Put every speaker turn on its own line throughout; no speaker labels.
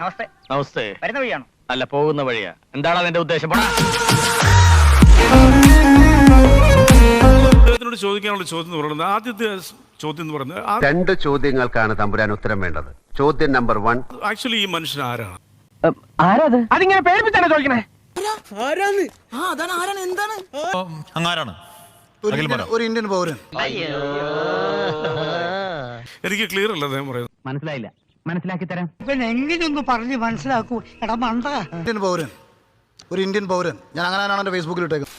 നമസ്തേ.
നമസ്തേ.
വരുന്ന വഴിയാണോ?
അല്ല, പോകുന്ന വഴിയാ. എന്താണ് അതിന്റെ ഉദ്ദേശം?
അദ്ദേഹത്തിനോട് ചോദിക്കാനുള്ള ചോദ്യം എന്ന് പറയുന്നത്, ആദ്യത്തെ ചോദ്യം എന്ന് പറയുന്നത്,
2 ചോദ്യങ്ങൾക്കാണ് തമ്പുരാൻ ഉത്തരം വേണ്ടത്. ചോദ്യം നമ്പർ 1,
ആക്ച്വലി ഈ മനുഷ്യൻ ആരാണ്?
ആരാത്? അതിങ്ങനെ പേടിപ്പിച്ചാണ് ചോദിക്കണേ.
അങ്ങാരാണ്
ഒരു ഇന്ത്യൻ പൗരൻ.
എനിക്ക് ക്ലിയർ അല്ല അദ്ദേഹം പറയുന്നത്.
മനസ്സിലായില്ല. മനസ്സിലാക്കി തരാം.
പിന്നെ എങ്ങനെയൊന്ന് പറഞ്ഞ് മനസ്സിലാക്കൂ. എടാ മണ്ട.
ഇന്ത്യൻ പൗരൻ, ഒരു ഇന്ത്യൻ പൗരൻ. ഞാൻ അങ്ങനെ എന്റെ ഫേസ്ബുക്കിൽ ഇട്ടേക്കുന്നത്.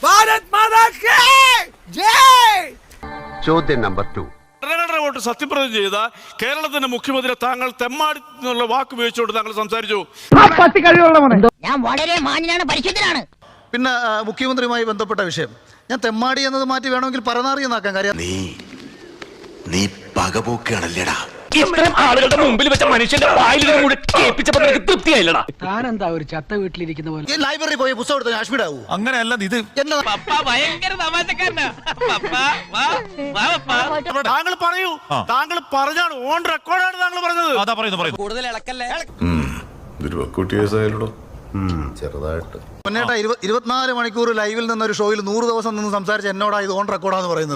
ചോദ്യം നമ്പർ 2,
വോട്ട് സത്യപ്രതിജ്ഞ ചെയ്ത കേരളത്തിന്റെ മുഖ്യമന്ത്രി താങ്കൾ തെമ്മാടി എന്നുള്ള വാക്ക് ഉപയോഗിച്ചുകൊണ്ട് താങ്കൾ സംസാരിച്ചു.
ഞാൻ വളരെ മാന്യനാണ്, പരിശുദ്ധനാണ്.
പിന്നെ മുഖ്യമന്ത്രിയുമായി ബന്ധപ്പെട്ട വിഷയം, ഞാൻ തെമ്മാടി എന്നത് മാറ്റി വേണമെങ്കിൽ പരനാറി എന്നാക്കാൻ. കാര്യം
നീ പകപോക്കാണല്ലേടാ.
ഇത്രയും ആളുകളുടെ മുമ്പിൽ വെച്ച മനുഷ്യന്റെ വായിൽ കേൾപ്പിച്ചപ്പോ തൃപ്തിയായില്ലടാ.
താനെന്താ ഒരു ചത്ത വീട്ടിലിരിക്കുന്ന പോലെ?
ഈ ലൈബ്രറി പോയി പുസ്തകം എടുത്ത് കാശ്മീർ ആവൂ.
അങ്ങനെയല്ല ഇത്.
താങ്കൾ പറയൂ. താങ്കൾ പറഞ്ഞാണ്, ഓൺ റെക്കോർഡാണ് താങ്കൾ പറഞ്ഞത്.
അതാ പറയുന്നു.
കൂടുതൽ ഇളക്കല്ലേ.
ചെറുതായിട്ട് മുന്നേട്ടാ 24 മണിക്കൂർ ലൈവിൽ നിന്ന് ഒരു ഷോയിൽ 100 ദിവസം നിന്ന് സംസാരിച്ച എന്നോടാ ഇത് ഓൺ റെക്കോർഡാന്ന് പറയുന്നത്.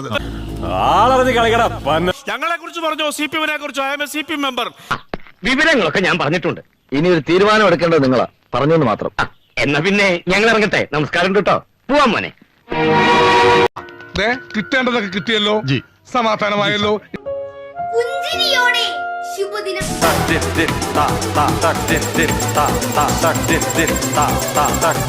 ഞങ്ങളെ കുറിച്ച് പറഞ്ഞോ, CPM-നെ കുറിച്ചോ? I am a CPM member.
വിവരങ്ങളൊക്കെ ഞാൻ പറഞ്ഞിട്ടുണ്ട്. ഇനി ഒരു തീരുമാനം എടുക്കേണ്ടത് നിങ്ങളാ. പറഞ്ഞെന്ന് മാത്രം. എന്നാ പിന്നെ ഞങ്ങൾ ഇറങ്ങട്ടെ. നമസ്കാരം കേട്ടോ. പോവാൻ മോനെ.
കിട്ടേണ്ടതൊക്കെ കിട്ടിയല്ലോ, സമാധാനമായല്ലോ.
പുഞ്ചിരിയോടെ ശുഭദിനം.